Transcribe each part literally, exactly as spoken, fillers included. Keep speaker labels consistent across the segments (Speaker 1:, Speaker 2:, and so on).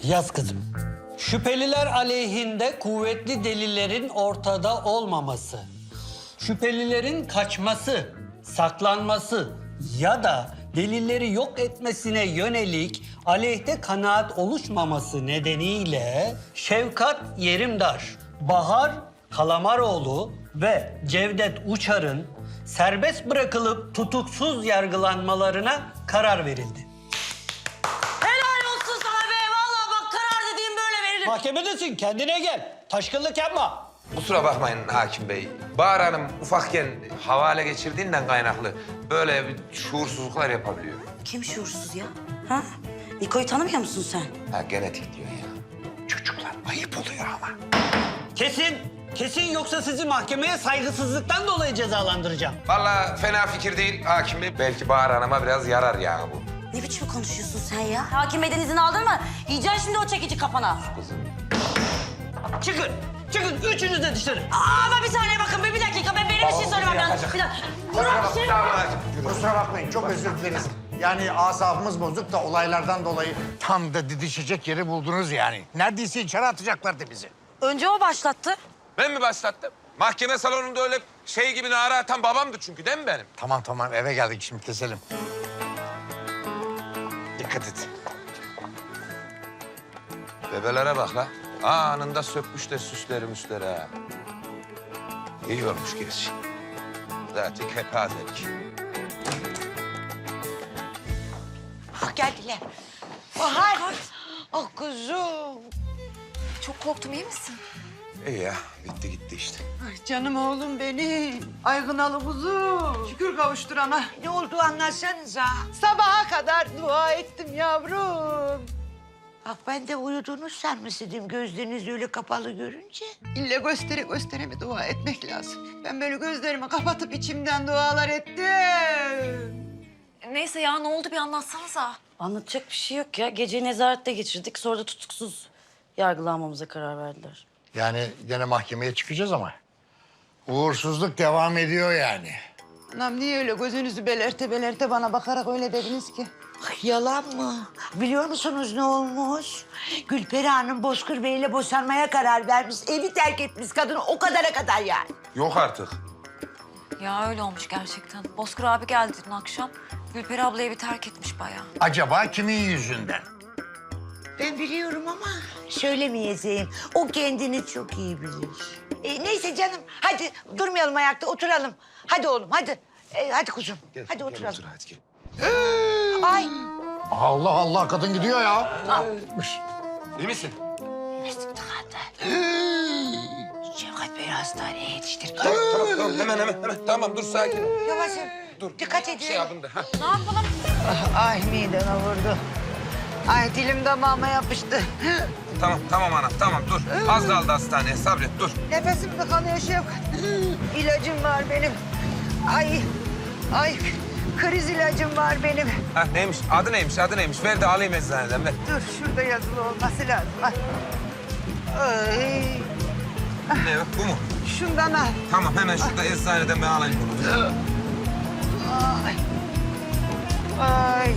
Speaker 1: Yaz kızım. Şüpheliler aleyhinde kuvvetli delillerin ortada olmaması, şüphelilerin kaçması, saklanması ya da delilleri yok etmesine yönelik aleyhte kanaat oluşmaması nedeniyle Şevkat Yerimdar, Bahar Kalamaroğlu ve Cevdet Uçar'ın serbest bırakılıp tutuksuz yargılanmalarına karar verildi.
Speaker 2: Helal olsun sana be. Vallahi bak karar dediğim böyle verilir.
Speaker 1: Mahkemedesin, kendine gel. Taşkınlık yapma.
Speaker 3: Kusura bakmayın hakim bey. Bahar Hanım ufakken havale geçirdiğinden kaynaklı böyle bir şuursuzluklar yapabiliyor.
Speaker 2: Kim şuursuz ya? Ha? Niko'yu tanımıyor musun sen?
Speaker 3: Ha genetik diyor ya. Çocuklar ayıp oluyor ama.
Speaker 1: Kesin, kesin yoksa sizi mahkemeye saygısızlıktan dolayı cezalandıracağım.
Speaker 3: Vallahi fena fikir değil hakim bey. Belki Bahar Hanım'a biraz yarar ya bu.
Speaker 2: Ne biçim konuşuyorsun sen ya? Hakim Bey'den izin aldın mı? Yiyeceksin şimdi o çekici kafana.
Speaker 3: Kızım.
Speaker 1: Çıkın, çıkın. Üçünüz de dışarı.
Speaker 2: Aa, ama bir saniye bakın bir, bir dakika. Ben benim bir şey söylemem lazım. Bir dakika. Murat, şey...
Speaker 4: Kusura bakmayın, çok özür dileriz. Yani asabımız bozuk da olaylardan dolayı tam da didişecek yeri buldunuz yani. Neredeyse içeri atacaklardı bizi.
Speaker 2: Önce o başlattı.
Speaker 3: Ben mi başlattım? Mahkeme salonunda öyle şey gibi nara atan babamdı çünkü değil mi benim?
Speaker 4: Tamam tamam, eve geldik şimdi, keselim. Dikkat et.
Speaker 3: Bebelere bak la. Anında sökmüşler süsleri müsleri ha. İyi olmuş gerçi. Zaten kepazelik.
Speaker 5: Ah geldiler. Bahar. Ah kuzum.
Speaker 6: Çok korktum, iyi misin?
Speaker 3: İyi ya, bitti gitti işte.
Speaker 5: Ay canım oğlum benim. Aygınalı kuzum. Şükür kavuşturana. Ne oldu anlatsanıza. Sabaha kadar dua ettim yavrum.
Speaker 7: Bak ben de uyudunuz sanmıştım gözleriniz öyle kapalı görünce.
Speaker 5: İlle göstere göstere mi dua etmek lazım? Ben böyle gözlerimi kapatıp içimden dualar ettim.
Speaker 6: Neyse ya, ne oldu bir anlatsanıza.
Speaker 2: Anlatacak bir şey yok ya. Geceyi nezarette geçirdik. Sonra da tutuksuz yargılanmamıza karar verdiler.
Speaker 4: Yani gene mahkemeye çıkacağız ama uğursuzluk devam ediyor yani.
Speaker 5: Anam niye öyle gözünüzü belerte belerte bana bakarak öyle dediniz ki?
Speaker 7: Ay, yalan mı? Biliyor musunuz ne olmuş? Gülperi Hanım Bozkır Bey'le boşanmaya karar vermiş. Evi terk etmiş kadın o kadara kadar yani.
Speaker 3: Yok artık.
Speaker 6: Ya öyle olmuş gerçekten. Bozkır abi geldi dün akşam. Gülperi abla evi terk etmiş bayağı.
Speaker 4: Acaba kimin yüzünden?
Speaker 7: Ben biliyorum ama söylemeyeceğim. O kendini çok iyi bilir. E, neyse canım hadi durmayalım ayakta oturalım. Hadi oğlum hadi. E, hadi kuzum
Speaker 3: Gel,
Speaker 7: hadi
Speaker 3: gel
Speaker 7: oturalım.
Speaker 3: otur, hadi gel.
Speaker 7: Ay.
Speaker 4: Allah Allah, kadın gidiyor ya.
Speaker 3: İyi misin?
Speaker 7: Mesut tıkandı. Şevkat Bey'i hastaneye yetiştir.
Speaker 3: Tamam, tamam, tamam. Hemen, hemen, hemen. Tamam, dur sakin ol.
Speaker 7: Yavaş.
Speaker 3: Dur.
Speaker 7: Dikkat edin.
Speaker 3: Şey yapın da. Ha.
Speaker 6: Ne yapalım?
Speaker 5: Ay mideme vurdu. Ay dilim damağıma yapıştı.
Speaker 3: Tamam, tamam anam, tamam dur. Az kaldı hastaneye, sabret, dur.
Speaker 5: Nefesim tıkanıyor Şevkat. İlacım var benim. Ay, ay kriz ilacım var benim.
Speaker 3: Ha neymiş, adı neymiş, adı neymiş? Ver de alayım eczaneden, ver.
Speaker 5: Dur şurada yazılı olması lazım. Ay. Ay.
Speaker 3: Ne o, bu mu?
Speaker 5: Şundan al.
Speaker 3: Tamam, hemen şurada eczaneden ben alayım bunu.
Speaker 5: Ay. Ay.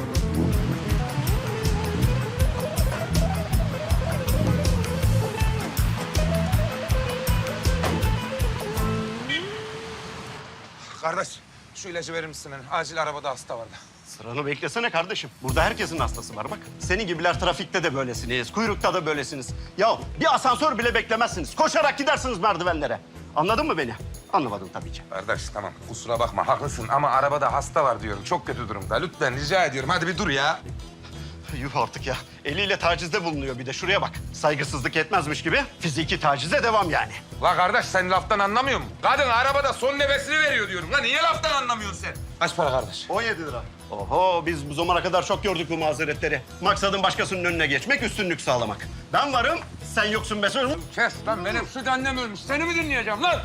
Speaker 3: Kardeş, şu ilacı verir misin? Acil arabada hasta vardı.
Speaker 8: Sıranı beklesene kardeşim. Burada herkesin hastası var bak. Senin gibiler trafikte de böylesiniz, kuyrukta da böylesiniz. Ya bir asansör bile beklemezsiniz. Koşarak gidersiniz merdivenlere. Anladın mı beni? Anlamadın tabii ki.
Speaker 3: Kardeş tamam, kusura bakma, haklısın ama arabada hasta var diyorum. Çok kötü durumda. Lütfen rica ediyorum, hadi bir dur ya.
Speaker 8: Yuh artık ya. Eliyle tacizde bulunuyor bir de. Şuraya bak. Saygısızlık etmezmiş gibi fiziki tacize devam yani.
Speaker 3: La kardeş, sen laftan anlamıyor musun? Kadın arabada son nefesini veriyor diyorum. La niye laftan anlamıyorsun sen? Kaç para kardeş?
Speaker 8: on yedi lira. Oho biz bu zamana kadar çok gördük bu mazeretleri. Maksadın başkasının önüne geçmek, üstünlük sağlamak. Ben varım, sen yoksun be sözüm.
Speaker 3: Kes lan, benim süt annem ölmüş. Seni mi dinleyeceğim lan?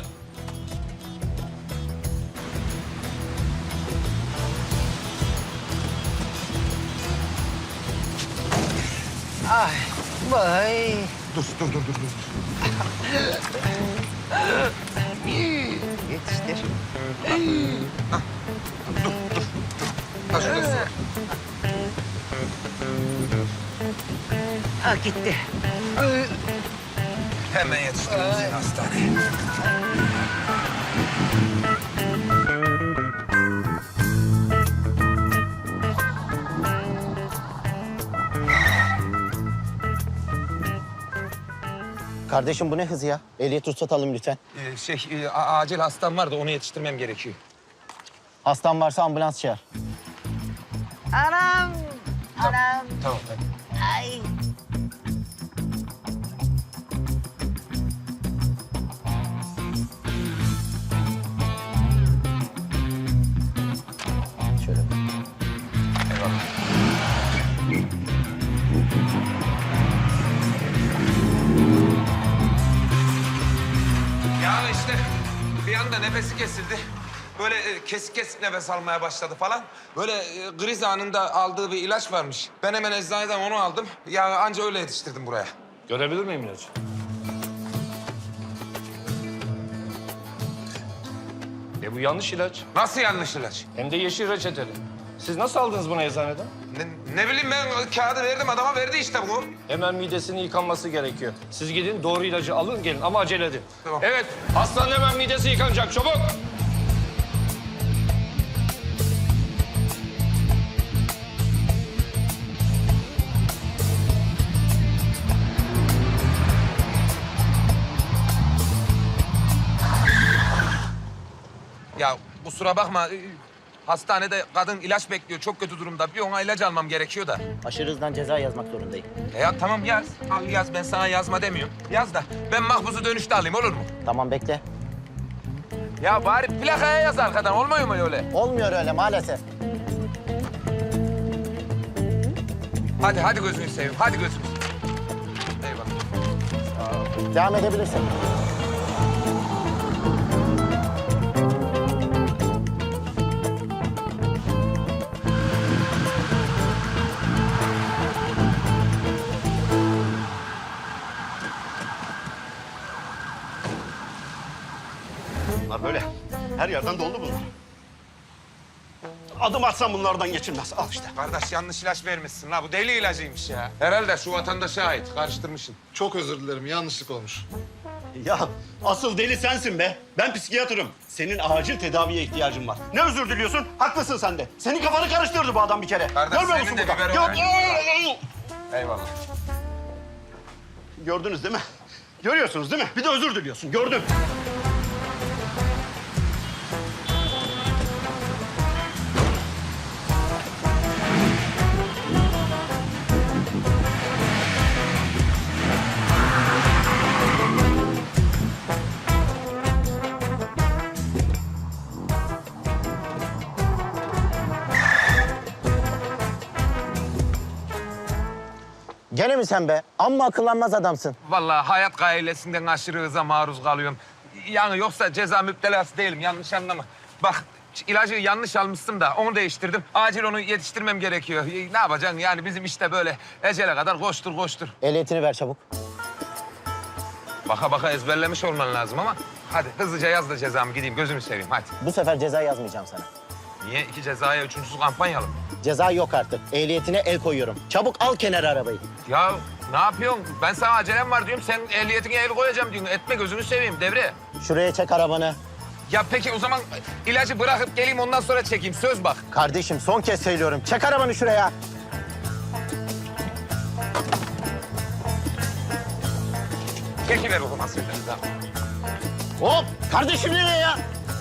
Speaker 5: Ay. Vay.
Speaker 4: Dur dur dur dur. dur.
Speaker 5: Yetiştir.
Speaker 3: Ha şurada su var.
Speaker 7: Ah gitti.
Speaker 3: Hemen yetiştirin seni hastaneye.
Speaker 9: Kardeşim bu ne hız ya? Ehliyet ruhsat alın lütfen.
Speaker 3: Ee, şey, e, a- acil hastam var da onu yetiştirmem gerekiyor.
Speaker 9: Hastan varsa ambulans çağır.
Speaker 7: Anam. Anam.
Speaker 3: Tamam, hadi.
Speaker 7: Ay.
Speaker 9: Şöyle.
Speaker 3: Eyvallah. Ya işte bir anda nefesi kesildi. Böyle e, kesik kesik nefes almaya başladı falan. Böyle e, kriz anında aldığı bir ilaç varmış. Ben hemen eczaneden onu aldım. Ya anca öyle yetiştirdim buraya.
Speaker 10: Görebilir miyim ilacı? E bu yanlış ilaç.
Speaker 3: Nasıl yanlış ilaç?
Speaker 10: Hem de yeşil reçeteli. Siz nasıl aldınız bunu eczaneden?
Speaker 3: Ne, ne bileyim ben kağıdı verdim adama verdi işte bu.
Speaker 10: Hemen midesinin yıkanması gerekiyor. Siz gidin doğru ilacı alın gelin ama acele edin.
Speaker 3: Tamam.
Speaker 10: Evet hastanın hemen midesi yıkanacak çabuk.
Speaker 3: Ya kusura bakma. e, Hastanede kadın ilaç bekliyor. Çok kötü durumda. Bir ona ilaç almam gerekiyor da.
Speaker 9: Aşırı hızdan ceza yazmak zorundayım.
Speaker 3: E ya tamam yaz. Al yaz. Ben sana yazma demiyorum. Yaz da ben mahpusu dönüşte alayım olur mu?
Speaker 9: Tamam bekle.
Speaker 3: Ya bari plakaya yaz arkadan. Olmuyor mu öyle?
Speaker 9: Olmuyor öyle maalesef.
Speaker 3: Hadi hadi gözünü seveyim. Hadi gözünü seveyim. Eyvallah.
Speaker 9: Devam edebilirsin.
Speaker 8: Bunlar böyle. Her yerden doldu bunlar. Adım atsam bunlardan geçilmez. Al işte.
Speaker 3: Kardeş yanlış ilaç vermişsin la. Bu deli ilacıymış ya. Herhalde şu vatandaşa ait. Karıştırmışsın.
Speaker 11: Çok özür dilerim, yanlışlık olmuş.
Speaker 8: Ya asıl deli sensin be. Ben psikiyatrım. Senin acil tedaviye ihtiyacın var. Ne özür diliyorsun? Haklısın sen de. Senin kafanı karıştırdı bu adam bir kere.
Speaker 3: Kardeş,
Speaker 8: Görmüyor
Speaker 3: senin
Speaker 8: musun
Speaker 3: de
Speaker 8: burada?
Speaker 3: biberi
Speaker 8: Yok.
Speaker 3: var. Eyvallah.
Speaker 8: Gördünüz değil mi? Görüyorsunuz değil mi? Bir de özür diliyorsun. Gördüm.
Speaker 9: Gene mi sen be? Amma akıllanmaz adamsın.
Speaker 3: Vallahi hayat gailesinden aşırı hıza maruz kalıyorum. Yani yoksa ceza müptelası değilim. Yanlış anlama. Bak ilacı yanlış almıştım da onu değiştirdim. Acil onu yetiştirmem gerekiyor. Ne yapacaksın yani bizim işte böyle ecele kadar koştur koştur.
Speaker 9: Ehliyetini ver çabuk.
Speaker 3: Baka baka ezberlemiş olman lazım ama hadi hızlıca yaz da cezamı gideyim gözünü seveyim hadi.
Speaker 9: Bu sefer ceza yazmayacağım sana.
Speaker 3: Niye iki cezaya üçüncüsü kampanyalı mı?
Speaker 9: Ceza yok artık. Ehliyetine el koyuyorum. Çabuk al kenara arabayı.
Speaker 3: Ya ne yapıyorsun? Ben sana acelem var diyorum. Sen ehliyetine el koyacağım diyorsun. Etme gözünü seveyim devre.
Speaker 9: Şuraya çek arabanı.
Speaker 3: Ya peki o zaman ilacı bırakıp geleyim ondan sonra çekeyim. Söz bak.
Speaker 9: Kardeşim son kez söylüyorum. Çek arabanı şuraya.
Speaker 3: Çekiver o zaman sözünü daha.
Speaker 9: Hop! Kardeşim nereye ya?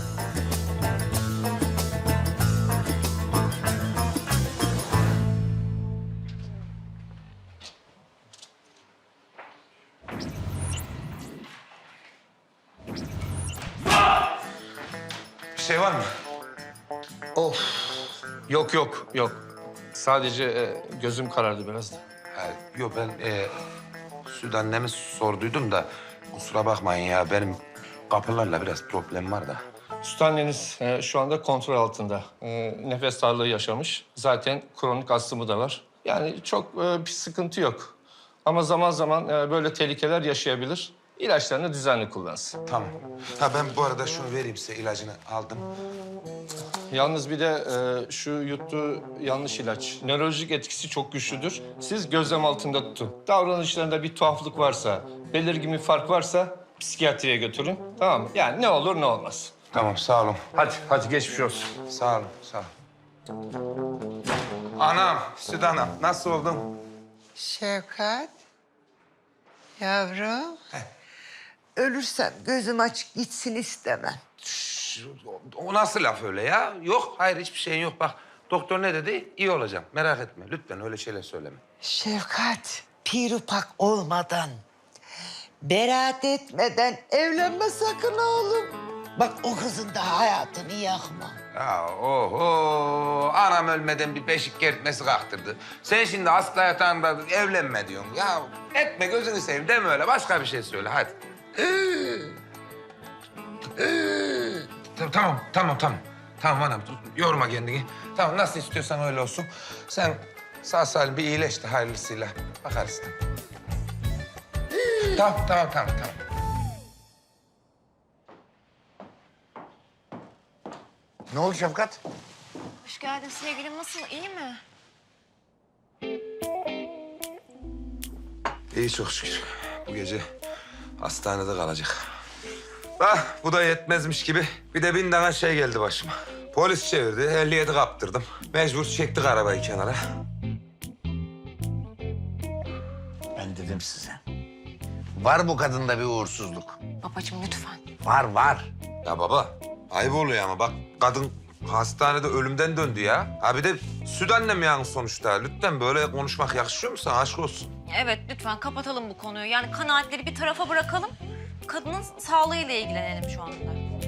Speaker 3: Bir şey var mı?
Speaker 10: Of. Yok yok yok. Sadece e, gözüm karardı biraz da.
Speaker 3: Ha, yok ben e, Süt annemi sorduydum da kusura bakmayın ya benim kapılarla biraz problem var da.
Speaker 10: Süt anneniz e, şu anda kontrol altında. E, nefes darlığı yaşamış. Zaten kronik astımı da var. Yani çok e, bir sıkıntı yok. Ama zaman zaman e, böyle tehlikeler yaşayabilir. İlaçlarını düzenli kullansın.
Speaker 3: Tamam. Ha ben bu arada şunu vereyim size ilacını aldım.
Speaker 10: Yalnız bir de e, şu yuttuğu yanlış ilaç. Nörolojik etkisi çok güçlüdür. Siz gözlem altında tutun. Davranışlarında bir tuhaflık varsa, belirgin bir fark varsa psikiyatriye götürün. Tamam mı? Yani ne olur ne olmaz.
Speaker 3: Tamam sağ olun. Hadi hadi geçmiş olsun. Sağ olun sağ olun. Anam, Süt anam nasıl oldun?
Speaker 5: Şevkat, yavrum. Ölürsem gözüm açık gitsin istemem.
Speaker 3: O nasıl laf öyle ya? Yok hayır hiçbir şeyin yok bak. Doktor ne dedi? İyi olacağım. Merak etme. Lütfen öyle şeyler söyleme.
Speaker 5: Şevkat, pirupak olmadan, beraat etmeden evlenme sakın oğlum. Bak o kızın da hayatını yakma.
Speaker 3: Ya oho. Anam ölmeden bir beşik kertmesi kalktırdı. Sen şimdi hasta yatağında evlenme diyorsun. Ya etme gözünü seveyim deme öyle. Başka bir şey söyle hadi. Tamam, tamam, tamam. Tamam anam, yorma kendini. Tamam, nasıl istiyorsan öyle olsun. Sen sağ salim bir iyileş de hayırlısıyla bakarız. Tamam, tamam, tamam, tamam.
Speaker 4: Ne oldu Şefkat?
Speaker 6: Hoş geldin sevgilim. Nasıl? İyi mi?
Speaker 3: İyi çok şükür. Bu gece hastanede kalacak. Ah, bu da yetmezmiş gibi bir de bin tane şey geldi başıma. Polis çevirdi, ehliyeti kaptırdım. Mecbur çektik arabayı kenara.
Speaker 4: Ben dedim size. Var bu kadında bir uğursuzluk.
Speaker 6: Babacığım lütfen.
Speaker 4: Var, var.
Speaker 3: Ya baba, ayıp oluyor ama bak kadın hastanede ölümden döndü ya. Ha bir de süt annem yani sonuçta. Lütfen böyle konuşmak yakışıyor mu sana? Aşk olsun.
Speaker 6: Evet lütfen kapatalım bu konuyu. Yani kanaatleri bir tarafa bırakalım. Kadının sağlığıyla ilgilenelim şu anda.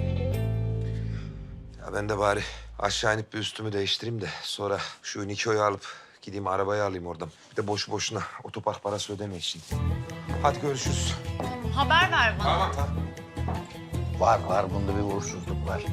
Speaker 3: Ya ben de bari aşağı inip bir üstümü değiştireyim de sonra şu Niko'yu alıp gideyim arabayı alayım oradan. Bir de boşu boşuna otopark parası ödeme için. Hadi görüşürüz.
Speaker 6: Tamam, haber ver bana.
Speaker 3: Tamam tamam.
Speaker 4: Var, var. Bunda bir uğursuzluk var.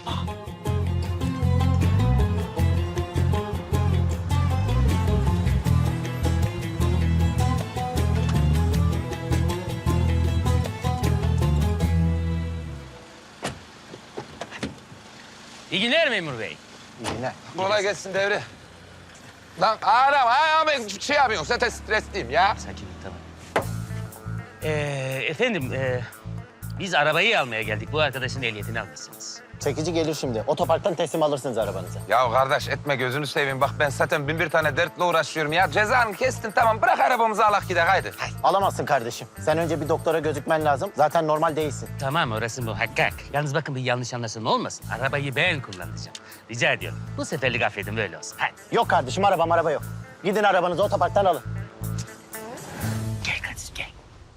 Speaker 1: İyi günler memur bey.
Speaker 4: Yine.
Speaker 3: Kolay gelsin devre. Lan ağlam, ağlam. Şey yapıyorsun, zaten stresliyim ya.
Speaker 1: Sakin tamam. Ee, efendim, e, biz arabayı almaya geldik. Bu arkadaşın ehliyetini almışsınız.
Speaker 9: Çekici gelir şimdi. Otoparktan teslim alırsınız arabanızı.
Speaker 3: Ya kardeş etme gözünü seveyim. Bak ben zaten bin bir tane dertle uğraşıyorum ya. Cezanı kestin tamam. Bırak arabamızı alak gidelim haydi.
Speaker 9: Alamazsın kardeşim. Sen önce bir doktora gözükmen lazım. Zaten normal değilsin.
Speaker 1: Tamam, orası muhakkak. Yalnız bakın bir yanlış anlaşılma olmasın. Arabayı ben kullanacağım. Rica ediyorum. Bu seferlik affedin, böyle olsun. Hadi.
Speaker 9: Yok kardeşim, araba araba yok. Gidin arabanızı otoparktan alın.
Speaker 1: Gel kardeşim, gel.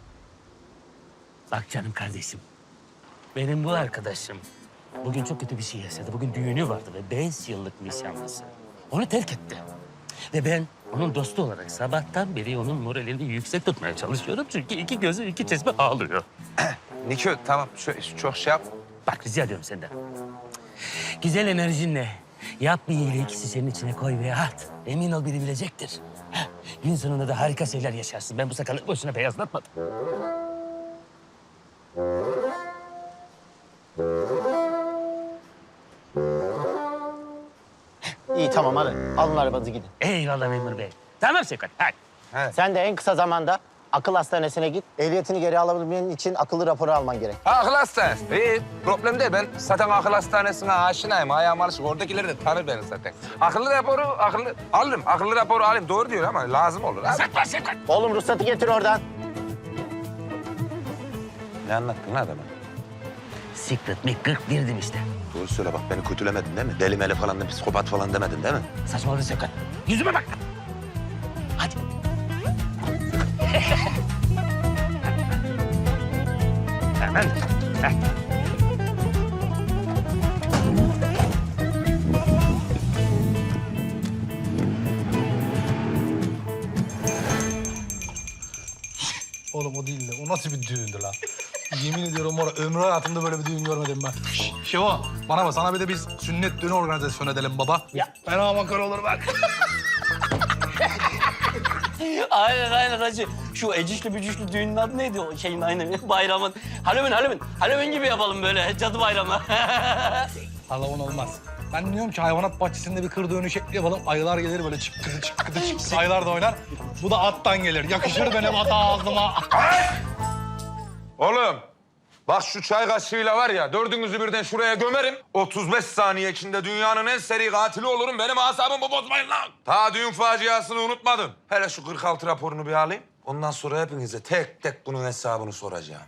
Speaker 1: Bak canım kardeşim. Benim bu arkadaşım bugün çok kötü bir şey yaşadı. Bugün düğünü vardı ve beş yıllık nişanlısı. Onu terk etti. Ve ben onun dostu olarak sabahtan beri onun moralini yüksek tutmaya çalışıyorum. Çünkü iki gözü iki çeşme ağlıyor.
Speaker 3: Niko tamam şu, çok şey yap.
Speaker 1: Bak rica ediyorum senden. Güzel enerjinle yap bir iyiliği şişenin içine koy ve at. Emin ol biri bilecektir. Heh, gün sonunda da harika şeyler yaşarsın. Ben bu sakalı boşuna beyazlatmadım.
Speaker 9: İyi tamam alın. Alın arabanızı gidin.
Speaker 1: Eyvallah memur bey. Tamam Sevkat, hadi.
Speaker 9: Sen de en kısa zamanda akıl hastanesine git. Ehliyetini geri alabilmen için akıllı raporu alman gerek.
Speaker 3: Akıl hastanesi. İyi problem değil. Ben zaten akıl hastanesine aşinayım. Ayağım alışık. Oradakiler de tanır beni zaten. Akıllı raporu akıllı alırım. Akıllı raporu alayım. Doğru diyor ama lazım olur. Abi.
Speaker 1: Sevkat, Sevkat.
Speaker 9: Oğlum ruhsatı getir oradan.
Speaker 3: Ne anlattın lan adama?
Speaker 1: Secret mi kırk girdim işte.
Speaker 3: Doğru söyle bak beni kötülemedin değil mi? Deli meli falan da psikopat falan demedin değil mi?
Speaker 1: Saçmaladın Sevkat. Yüzüme bak. Hadi. Hemen. Heh.
Speaker 11: Oğlum o değil de o nasıl bir düğündü lan? Yemin ediyorum var ömrü hayatımda böyle bir düğün görmedim ben. Şevo bana bak sana bir de biz sünnet düğünü organizasyon edelim baba.
Speaker 1: Ya.
Speaker 11: Fena makar olur bak.
Speaker 1: Aynen aynen hacı. Şu ecişli bücüşlü düğünün adı neydi o şeyin aynen bayramın? Halloween Halloween. Halloween gibi yapalım böyle cadı bayramı.
Speaker 11: Halavun olmaz. Ben diyorum ki hayvanat bahçesinde bir kır düğünü şekli yapalım. Ayılar gelir böyle çıkkıdı çıkkıdı çıkkıdı. Ayılar da oynar. Bu da attan gelir. Yakışır benim ata ağzıma.
Speaker 3: Oğlum, bak şu çay kaşığıyla var ya, dördünüzü birden şuraya gömerim. otuz beş saniye içinde dünyanın en seri katili olurum. Benim asabımı bozmayın lan. Ta düğün faciasını unutmadım. Hele şu kırk altı raporunu bir alayım. Ondan sonra hepinize tek tek bunun hesabını soracağım.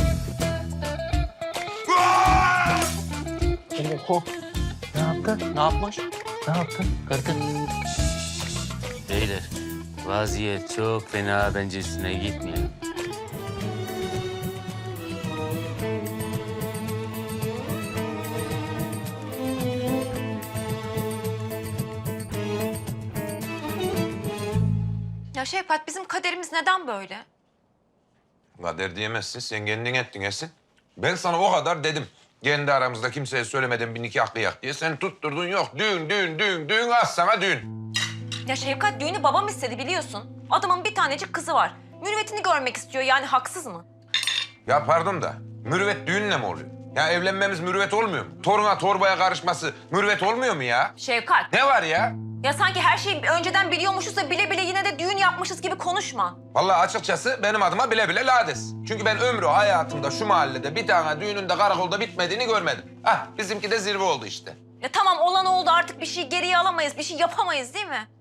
Speaker 1: Oho. Ne yaptın?
Speaker 9: Ne yapmış?
Speaker 1: Ne yaptın? Kırdın. Beyler, vaziyet çok fena, bence üstüne gitmeyelim.
Speaker 6: Ya Şevkat bizim kaderimiz neden böyle?
Speaker 3: Kader diyemezsin, sen kendin ettin Esin. Ben sana o kadar dedim. Kendi aramızda kimseye söylemeden bir nikah kıyak diye. Sen tutturdun yok. Düğün, düğün, düğün, düğün. Az sana düğün.
Speaker 6: Ya Şevkat düğünü babam istedi biliyorsun. Adamın bir tanecik kızı var. Mürüvvetini görmek istiyor yani haksız mı?
Speaker 3: Ya pardon da mürüvvet düğünle mi oluyor? Ya evlenmemiz mürüvvet olmuyor mu? Toruna torbaya karışması mürüvvet olmuyor mu ya?
Speaker 6: Şevkat.
Speaker 3: Ne var ya?
Speaker 6: Ya sanki her şeyi önceden biliyormuşuz da bile bile yine de düğün yapmışız gibi konuşma.
Speaker 3: Vallahi açıkçası benim adıma bile bile lades. Çünkü ben ömrü hayatımda şu mahallede bir tane düğünün de karakolda bitmediğini görmedim. Hah bizimki de zirve oldu işte.
Speaker 6: Ya tamam olan oldu artık bir şey geriye alamayız, bir şey yapamayız değil mi?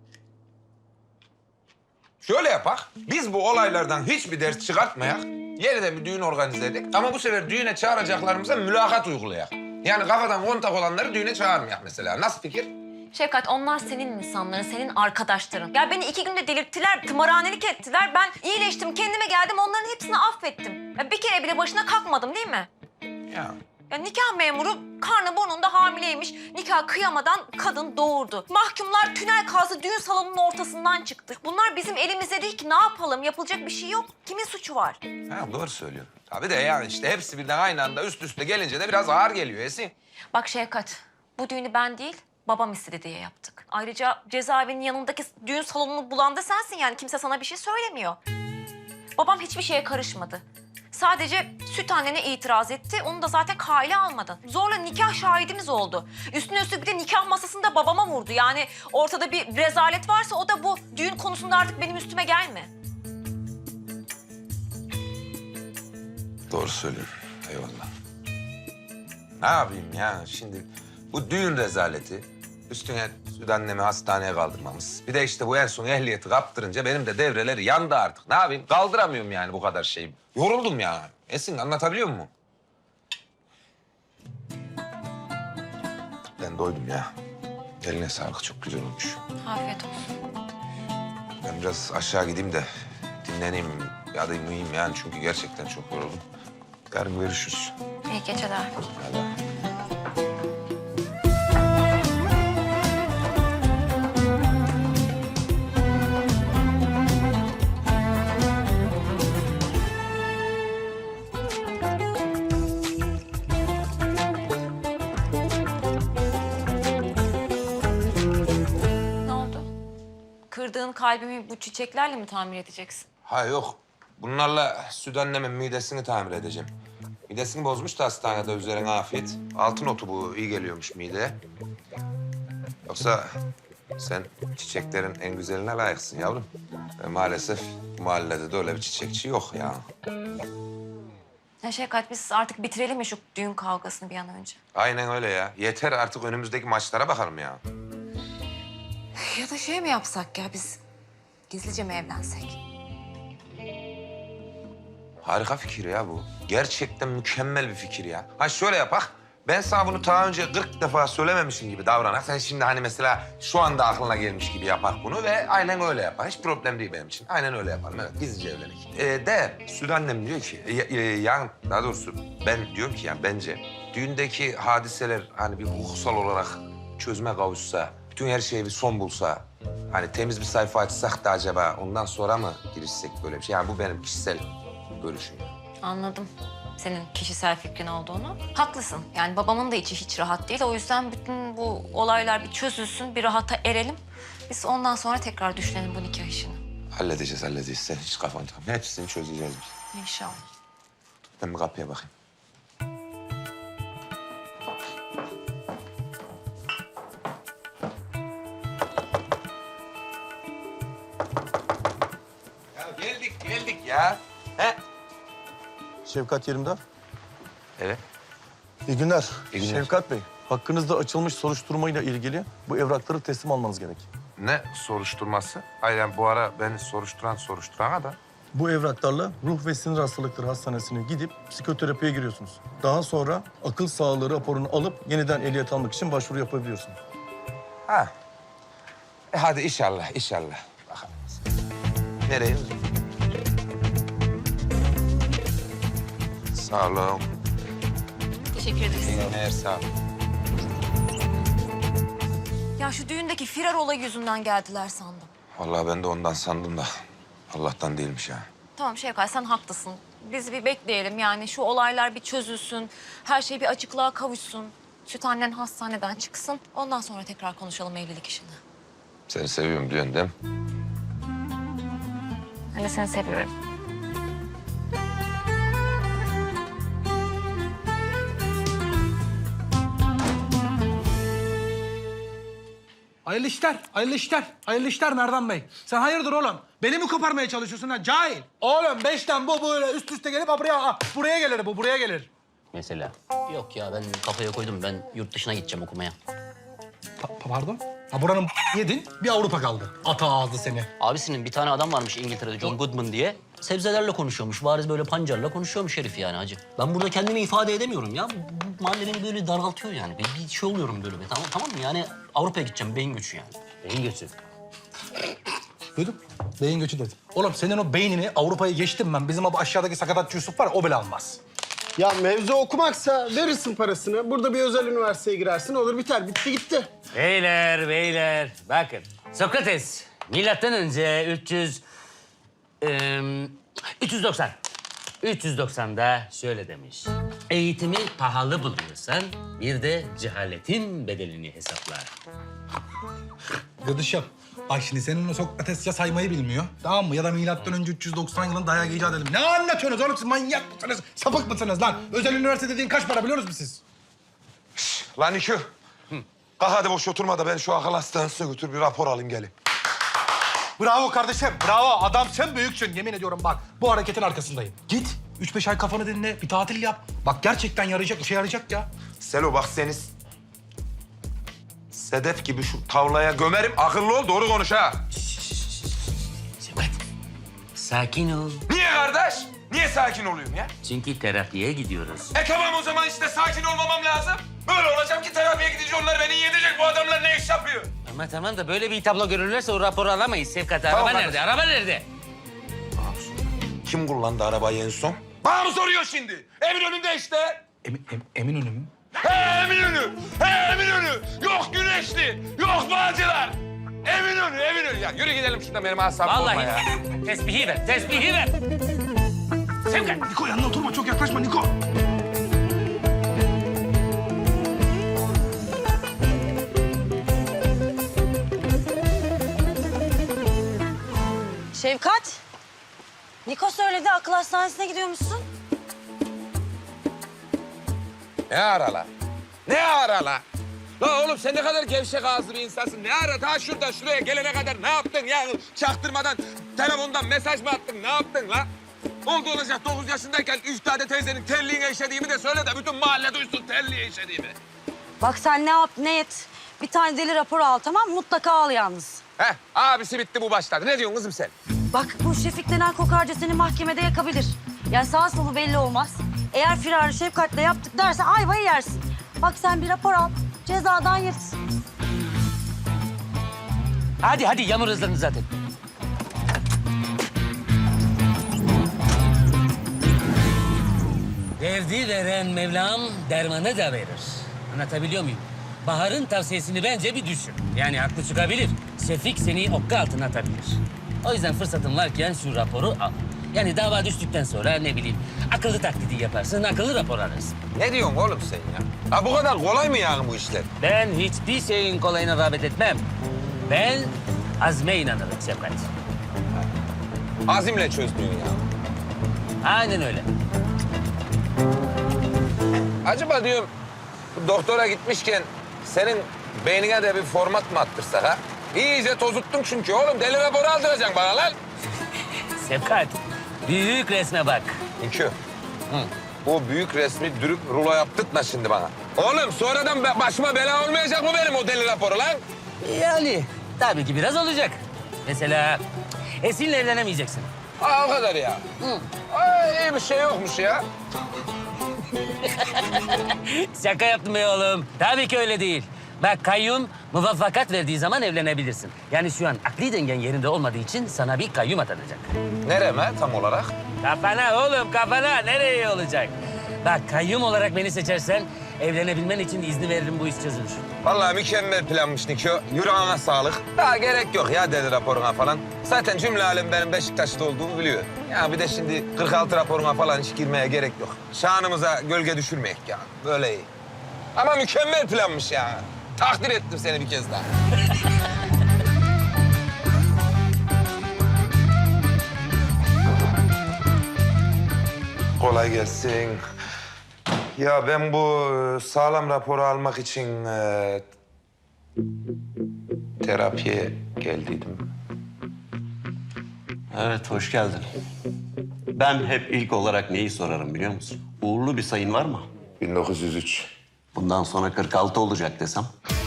Speaker 3: Şöyle yapak, biz bu olaylardan hiçbir ders çıkartmayak. Yeniden bir düğün organize edik. Ama bu sefer düğüne çağıracaklarımıza mülakat uygulayak. Yani kafadan kontak olanları düğüne çağırmayak mesela. Nasıl fikir?
Speaker 6: Şevkat onlar senin insanların, senin arkadaşların. Ya beni iki günde delirttiler, tımarhanelik ettiler. Ben iyileştim, kendime geldim, onların hepsini affettim. Ya bir kere bile başına kalkmadım değil mi?
Speaker 3: Ya.
Speaker 6: Ya nikah memuru karnı burnunda hamileymiş. Nikah kıyamadan kadın doğurdu. Mahkumlar tünel kazdı, düğün salonunun ortasından çıktı. Bunlar bizim elimizde değil ki. Ne yapalım? Yapılacak bir şey yok. Kimin suçu var?
Speaker 3: Ha, doğru söylüyorsun. Tabii de yani işte hepsi birden aynı anda üst üste gelince de biraz ağır geliyor Esin.
Speaker 6: Bak Şevkat, bu düğünü ben değil, babam istedi diye yaptık. Ayrıca cezaevinin yanındaki düğün salonunu bulan da sensin yani. Kimse sana bir şey söylemiyor. Babam hiçbir şeye karışmadı. Sadece süt annene itiraz etti. Onu da zaten kale almadın. Zorla nikah şahidimiz oldu. Üstüne üstlük bir de nikah masasında babama vurdu. Yani ortada bir rezalet varsa o da bu. Düğün konusunda artık benim üstüme gelme.
Speaker 3: Doğru söylüyorsun. Eyvallah. Ne yapayım ya şimdi bu düğün rezaleti üstüne süt annemi hastaneye kaldırmamız. Bir de işte bu en son ehliyeti kaptırınca benim de devreleri yandı artık. Ne yapayım? Kaldıramıyorum yani bu kadar şeyi. Yoruldum ya. Esin anlatabiliyor muyum? Ben doydum ya. Eline sağlık çok güzel olmuş.
Speaker 6: Afiyet olsun.
Speaker 3: Ben biraz aşağı gideyim de dinleneyim ya da uyuyayım yani çünkü gerçekten çok yoruldum. Yarın görüşürüz.
Speaker 6: İyi geceler.
Speaker 3: Hadi.
Speaker 6: Ne oldu? Kırdığın kalbimi bu çiçeklerle mi tamir edeceksin?
Speaker 3: Ha yok. Bunlarla süt annemin midesini tamir edeceğim. Midesini bozmuş da hastanede üzerine afiyet. Altın otu bu iyi geliyormuş mideye. Yoksa sen çiçeklerin en güzeline layıksın yavrum. Ve maalesef bu mahallede de öyle bir çiçekçi yok ya.
Speaker 6: Ya Şevkat biz artık bitirelim mi şu düğün kavgasını bir an önce?
Speaker 3: Aynen öyle ya. Yeter artık önümüzdeki maçlara bakalım ya.
Speaker 6: Ya da şey mi yapsak ya biz gizlice mi evlensek?
Speaker 3: Harika fikir ya bu. Gerçekten mükemmel bir fikir ya. Ha şöyle yapak. Ben sana bunu daha önce kırk defa söylememişim gibi davranak. Sen şimdi hani mesela şu anda aklına gelmiş gibi yapak bunu ve aynen öyle yapar. Hiç problem değil benim için. Aynen öyle yaparım. Evet, gizlice evlenik. Ee, de Süt annem diyor ki, e, e, yani daha doğrusu ben diyorum ki yani bence düğündeki hadiseler hani bir hukuksal olarak çözüme kavuşsa, bütün her şeye bir son bulsa, hani temiz bir sayfa açsak da acaba ondan sonra mı girişsek böyle bir şey? Yani bu benim kişisel görüşüm.
Speaker 6: Anladım senin kişisel fikrin olduğunu. Haklısın. Yani babamın da içi hiç rahat değil. O yüzden bütün bu olaylar bir çözülsün, bir rahata erelim. Biz ondan sonra tekrar düşünelim bu nikah işini.
Speaker 3: Halledeceğiz, halledeceğiz. Sen hiç kafan takma. Hepsini çözeceğiz biz.
Speaker 6: İnşallah.
Speaker 3: Ben bir kapıya bakayım. Ya geldik, geldik ya. He?
Speaker 12: Şefkat Yerimdar.
Speaker 3: Evet.
Speaker 12: İyi günler.
Speaker 3: İyi günler.
Speaker 12: Şefkat Bey, hakkınızda açılmış soruşturmayla ilgili bu evrakları teslim almanız gerek.
Speaker 3: Ne soruşturması? Hayır yani bu ara beni soruşturan soruşturan adam.
Speaker 12: Bu evraklarla Ruh ve Sinir Hastalıkları Hastanesi'ne gidip psikoterapiye giriyorsunuz. Daha sonra akıl sağlığı raporunu alıp yeniden ehliyet almak için başvuru yapabiliyorsunuz.
Speaker 3: Ha. E hadi inşallah, inşallah. Bakalım. Nereye? Sağ olun.
Speaker 6: Teşekkür ederiz.
Speaker 3: İyi günler, sağ olun.
Speaker 6: Ya şu düğündeki firar olayı yüzünden geldiler sandım.
Speaker 3: Vallahi ben de ondan sandım da Allah'tan değilmiş ha.
Speaker 6: Tamam Şevkat sen haklısın. Biz bir bekleyelim yani şu olaylar bir çözülsün. Her şey bir açıklığa kavuşsun. Süt annen hastaneden çıksın. Ondan sonra tekrar konuşalım evlilik işini.
Speaker 3: Seni seviyorum diyorsun değil mi?
Speaker 6: Ben de seni seviyorum.
Speaker 11: Hayırlı işler, hayırlı işler, hayırlı işler Merdan Bey. Sen hayırdır oğlum? Beni mi koparmaya çalışıyorsun lan cahil? Oğlum beşten bu böyle üst üste gelip ha, buraya, ha, buraya gelir bu, buraya gelir.
Speaker 1: Mesela. Yok ya ben kafaya koydum. Ben yurt dışına gideceğim okumaya.
Speaker 11: Pa- pardon? Ha buranın yedin, bir Avrupa kaldı. Ata ağzı seni.
Speaker 1: Abisinin bir tane adam varmış İngiltere'de John Goodman diye. Sebzelerle konuşuyormuş. Bariz böyle pancarla konuşuyormuş herif yani hacı. Ben burada kendimi ifade edemiyorum ya. Bu, bu mahalle beni böyle daraltıyor yani. Bir, bir şey oluyorum böyle. Tamam, tamam mı? Yani Avrupa'ya gideceğim. Beyin göçü yani. Beyin göçü.
Speaker 11: Duydun? Beyin göçü dedim. Oğlum senin o beynini Avrupa'ya geçtim ben. Bizim o aşağıdaki sakatatçı Yusuf var ya, o bile almaz.
Speaker 8: Ya mevzu okumaksa verirsin parasını. Burada bir özel üniversiteye girersin. Olur biter. Bitti gitti.
Speaker 1: Beyler, beyler. Bakın. Sokrates, milattan önce üç yüz... eee, üç yüz doksan. üç yüz doksan'da şöyle demiş. Eğitimi pahalı buluyorsan bir de cehaletin bedelini hesapla.
Speaker 11: Gıdışım. Bak şimdi senin o Sokrates ya saymayı bilmiyor. Tamam mı? Ya da milattan önce üç yüz doksan yılında dayak icat edelim. Ne anlatıyorsunuz oğlum siz? Manyak mısınız? Sapık mısınız lan? Özel üniversite dediğin kaç para biliyor musunuz siz?
Speaker 3: Lan İkü. Kalk hadi boş oturma da ben şu akıl hastanesine götür bir rapor alayım gelin.
Speaker 11: Bravo kardeşim, bravo. Adam sen büyüksün. Yemin ediyorum bak, bu hareketin arkasındayım. Git, üç beş ay kafanı dinle, bir tatil yap. Bak gerçekten yarayacak, işe yarayacak ya.
Speaker 3: Selo bak seni sedef gibi şu tavlaya gömerim. Akıllı ol, doğru konuş ha.
Speaker 1: Şevkat, sakin ol.
Speaker 3: Niye kardeş? Niye sakin oluyorum ya?
Speaker 1: Çünkü terapiye gidiyoruz.
Speaker 3: E tamam o zaman işte sakin olmamam lazım. Böyle olacağım ki terapiye gidince onlar beni yedecek. Bu adamlar ne iş yapıyor?
Speaker 1: Ama tamam da böyle bir tablo görürlerse o raporu alamayız Şevkat.
Speaker 3: Tamam,
Speaker 1: Araba
Speaker 3: hadi.
Speaker 1: nerede? Araba nerede?
Speaker 3: Kim kullandı arabayı en son? Bana mı soruyor şimdi? Eminönü'nde işte.
Speaker 11: Emin, em, Eminönü mü?
Speaker 3: He Eminönü! He Eminönü! Yok Güneşli! Yok Bağcılar! Eminönü, Eminönü. Ya yürü gidelim şuradan benim asabım olma ya.
Speaker 1: Vallahi tesbihi ver, tesbihi ver. Şevkat.
Speaker 11: Niko yanına oturma, çok yaklaşma Niko.
Speaker 2: Şevkat. Niko söyledi akıl hastanesine gidiyormuşsun.
Speaker 3: Ne ara la? Ne ara la? La oğlum sen ne kadar gevşek ağızlı bir insansın. Ne ara daha şuradan şuraya gelene kadar ne yaptın ya? Çaktırmadan telefondan mesaj mı attın? Ne yaptın la? Oldu olacak dokuz yaşındayken Üftade teyzenin telliğine işediğimi de söyle de bütün mahalle duysun telliğe işediğimi.
Speaker 2: Bak sen ne yap ne et. Bir tane deli raporu al tamam mı? Mutlaka al yalnız.
Speaker 3: Heh abisi bitti bu başladı. Ne diyorsun kızım sen?
Speaker 2: Bak bu Şefik denen kokarca seni mahkemede yakabilir. Yani sağ solu belli olmaz. Eğer firarı Şefkat'le yaptık derse ayvayı yersin. Bak sen bir rapor al, cezadan yırtsın.
Speaker 1: Hadi hadi yağmur hızlandı zaten. Derdi veren Mevlam dermanı da verir. Anlatabiliyor muyum? Bahar'ın tavsiyesini bence bir düşün. Yani haklı çıkabilir. Şefik seni okka altına atabilir. O yüzden fırsatın varken şu raporu al. Yani dava düştükten sonra ne bileyim akıllı taklidi yaparsın, akıllı rapor alırsın.
Speaker 3: Ne diyorsun oğlum sen ya? Ha bu kadar kolay mı yani bu işler?
Speaker 1: Ben hiçbir şeyin kolayına rağbet etmem. Ben azme inanırım Şefkat.
Speaker 3: Azimle çözdün ya.
Speaker 1: Aynen öyle.
Speaker 3: Acaba diyorum bu doktora gitmişken senin beynine de bir format mı attırsak ha? İyice tozuttun çünkü oğlum. Deli raporu aldıracaksın bana lan.
Speaker 1: Sevkat, büyük resme bak.
Speaker 3: İki. Hı. O büyük resmi dürüp rulo yaptırtma şimdi bana. Oğlum sonradan be- başıma bela olmayacak mı benim o deli raporu lan?
Speaker 1: Yani tabii ki biraz olacak. Mesela Esin'le evlenemeyeceksin.
Speaker 3: Aa, o kadar ya. Hı. Aa, iyi bir şey yokmuş ya.
Speaker 1: Şaka yaptım be oğlum. Tabii ki öyle değil. Bak kayyum muvaffakat verdiği zaman evlenebilirsin. Yani şu an akli dengen yerinde olmadığı için sana bir kayyum atanacak.
Speaker 3: Nereme tam olarak?
Speaker 1: Kafana oğlum kafana. Nereye olacak? Bak kayyum olarak beni seçersen evlenebilmen için izni veririm, bu iş çözülür.
Speaker 3: Vallahi mükemmel planmış Niko. Yüreğine sağlık. Daha gerek yok ya deli raporuna falan. Zaten cümle alem benim Beşiktaş'ta olduğumu biliyor. Ya bir de şimdi kırk altı raporuna falan hiç girmeye gerek yok. Şanımıza gölge düşürmeyek ya. Böyle iyi. Ama mükemmel planmış ya. Takdir ettim seni bir kez daha. Kolay gelsin. Ya ben bu e, sağlam raporu almak için e, terapiye geldiydim.
Speaker 8: Evet, hoş geldin. Ben hep ilk olarak neyi sorarım biliyor musun? Uğurlu bir sayın var mı?
Speaker 3: bin dokuz yüz üç.
Speaker 8: Bundan sonra kırk altı olacak desem.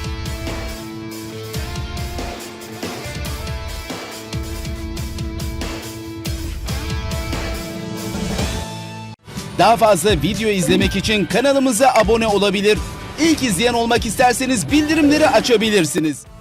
Speaker 13: Daha fazla video izlemek için kanalımıza abone olabilir. İlk izleyen olmak isterseniz bildirimleri açabilirsiniz.